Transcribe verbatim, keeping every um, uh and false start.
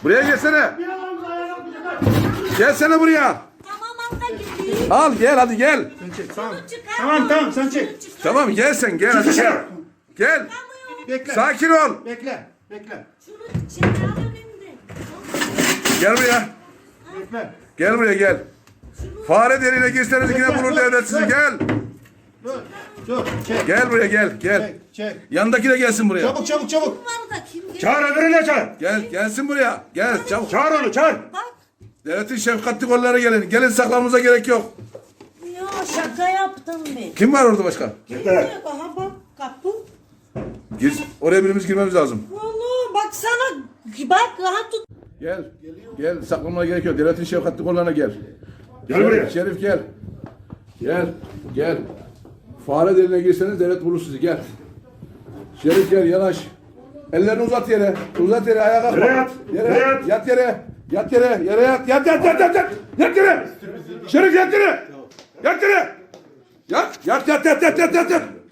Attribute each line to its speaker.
Speaker 1: Buraya gelsene. Gelsene buraya.
Speaker 2: Tamam abla gideyim.
Speaker 1: Al gel hadi gel.
Speaker 3: Tamam.
Speaker 2: Çıkar.
Speaker 3: Tamam tamam sen çek.
Speaker 1: Tamam gel sen gel hadi gel. Gel.
Speaker 3: Bekle.
Speaker 1: Sakin ol.
Speaker 3: Bekle. Bekle.
Speaker 2: Şunu çıkar önümde.
Speaker 1: Gel buraya.
Speaker 3: Bekle.
Speaker 1: Gel buraya gel. Fare deliğine girseniz yine bulur devlet sizi gel.
Speaker 3: Dur. Dur. Çek.
Speaker 1: Gel buraya gel gel.
Speaker 3: Çek. Çek.
Speaker 1: Yanındaki de gelsin buraya.
Speaker 3: Çabuk çabuk çabuk.
Speaker 2: Var da kim gelir?
Speaker 3: Çağır öbürüne çağır.
Speaker 1: Gel gelsin buraya. Gel çabuk.
Speaker 3: Çağır onu çağır.
Speaker 2: Bak.
Speaker 1: Devletin şefkatli kolları gelin. Gelin saklamamıza gerek yok.
Speaker 2: Ya şaka yaptım ben.
Speaker 1: Kim var orada başka?
Speaker 2: Aha bak kapı.
Speaker 1: Gir. Oraya birimiz girmemiz lazım.
Speaker 2: Vallahi baksana. Bak rahat tut.
Speaker 1: Gel. Gel saklamaya gerek yok. Devletin şefkatli kollarına gel.
Speaker 3: Gel buraya.
Speaker 1: Şerif gel. Gel. Gel. Fare deliğine girseniz devlet bulur sizi. Gel. Şerif gel yanaş. Ellerini uzat yere. Uzat yere ayağa kalkma.
Speaker 3: Yere yat.
Speaker 1: Yere
Speaker 3: Yere
Speaker 1: yat.
Speaker 3: yat.
Speaker 1: Yat yere. Yat yere. Yere yat. Yat yat yat yat yat. Yat yere. Şerif yat yere. Yat yere. Yat. Yat yat yat yat yat yat.